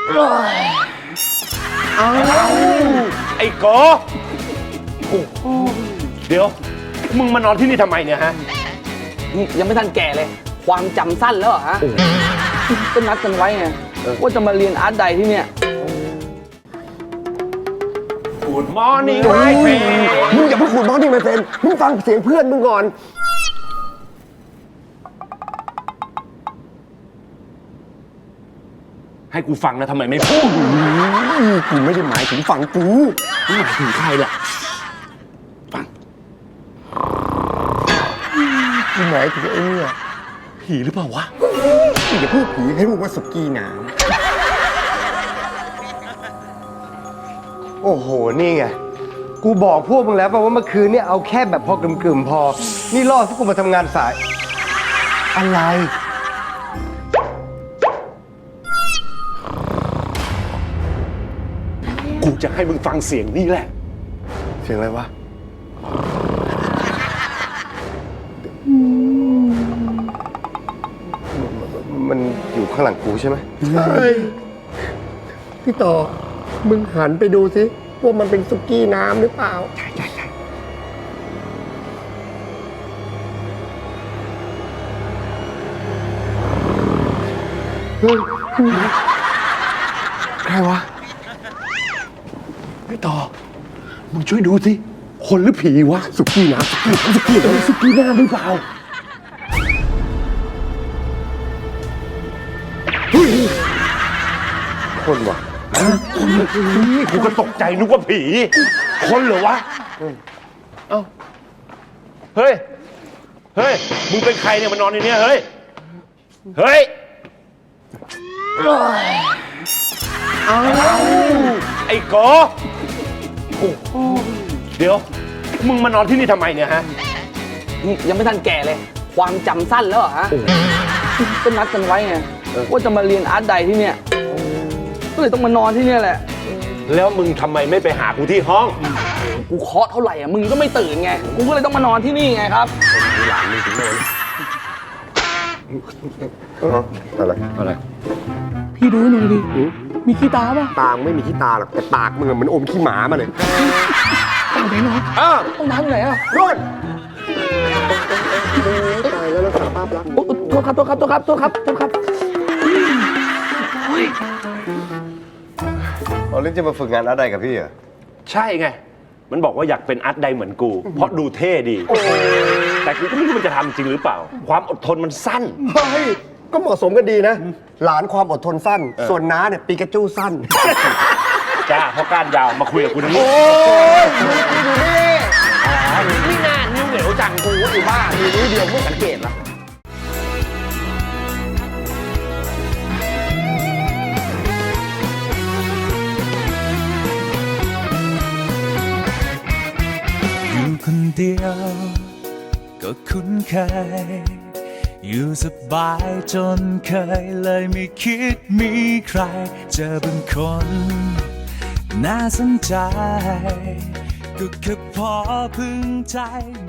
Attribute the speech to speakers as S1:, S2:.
S1: เอาไอ้โกเดี๋ยวมึงมานอนที่นี่ทำไมเนี่ยฮะ
S2: นี่ยังไม่ทันแก่เลยความจำสั้นแล้วเหรอฮะก็นัดกันไว้ไงว่าจะมาเรียนอาร์ตไดที่เนี่ย
S1: Good morning my friend
S3: มึงอย่าพูดมอนี่ไม่เป็นมึงฟังเสียงเพื่อนมึงก่อน
S1: ให้กูฟังนะทำไมไม่พูด
S3: กูไม่ได้หมายถึงฝั่งกู
S1: หมายถึงใครล่ะฟัง
S3: กูหมายถึงไอ้เนี่ย
S1: ผีหรือเปล่าวะ
S3: อย่าพูดผีให้มึงว่าสุกี้น้ำโอ้โหนี่ไงกูบอกพวกมึงแล้วป่ะว่าเมื่อคืนเนี่ยเอาแค่แบบพอกึ่มๆพอนี่ล่อให้กูมาทำงานสายอะไร
S1: กูจะให้มึงฟังเสียงนี่แหละ
S3: เสียงอะไรวะมันอยู่ข้างหลังกูใช่ไหมใช่พี่ต่อมึงหันไปดูสิว่ามันเป็นสุกี้น้ำหรือเปล่าใช่ใครวะ
S1: ไม่ต่อมึงช่วยดูสิคนหรือผีวะ
S3: สุกี้น้ำ
S1: สุกี้น้ำหรือเปล่า
S3: คนวะ
S1: กูก็ตกใจนึกว่าผีคนเหรอวะเอ้าเฮ้ยมึงเป็นใครเนี่ยมานอนในนี้เฮ้ยไอ้โกเดี๋ยวมึงมานอนที่นี่ทำไมเนี่ยฮะ
S2: นี่ยังไม่ทันแก่เลยความจำสั้นแล้วเหรอฮะก็นัดกันไว้ไงว่าจะมาเรียนอาร์ตไดที่เนี่ยก็เลยต้องมานอนที่เนี่ยแหละ
S1: แล้วมึงทำไมไม่ไปหากูที่ห้อง
S2: กูเคาะเท่าไหร่อ่ะมึงก็ไม่ตื่นไงกูก็เลยต้องมานอนที่นี่ไงครับ
S3: หลานมึงถึงโน่นอะไร
S2: พี่ดูหน่อยดิมีขี้ตาป่ะ
S3: ตาไม่มีขี้ตาหรอกแต่ปากมึงเหมือนอมขี้หมามาเลย
S2: ต้องไหนเนาะต้องน้ำอยู่ไหนอ่ะ
S3: โน่นตายแล้วรักษาภาพลักษณ์
S2: โทษครับ
S3: เอาเล่นจะมาฝึกงานอะไรกับพี่เหรอ
S1: ใช่ไงมันบอกว่าอยากเป็นอาร์ตไดเหมือนกูเพราะดูเท่ดีแต่กูก็ไม่รู้มันจะทำจริงหรือเปล่าความอดทนมันสั้น
S3: เฮ้ยก็เหมาะสมกันดีนะหลานความอดทนสั้นส่วนน้าเนี่ยปีกระจู้สั้น
S1: จ้าเพราะก้านยาวมาคุยกับกูนะนี่
S3: โอ้ยดูนี่
S2: นี่นานนิ้วเหนียวจังกูอยู่บ้านมีนิ้วเดียวไม่สังเกตหรอ
S4: อยู่คนเดียวก็คุ้นเคยอยู่สบายจนเคยเลยไม่คิดมีใครเจอบางคนน่าสนใจก็แค่พอพึงใจ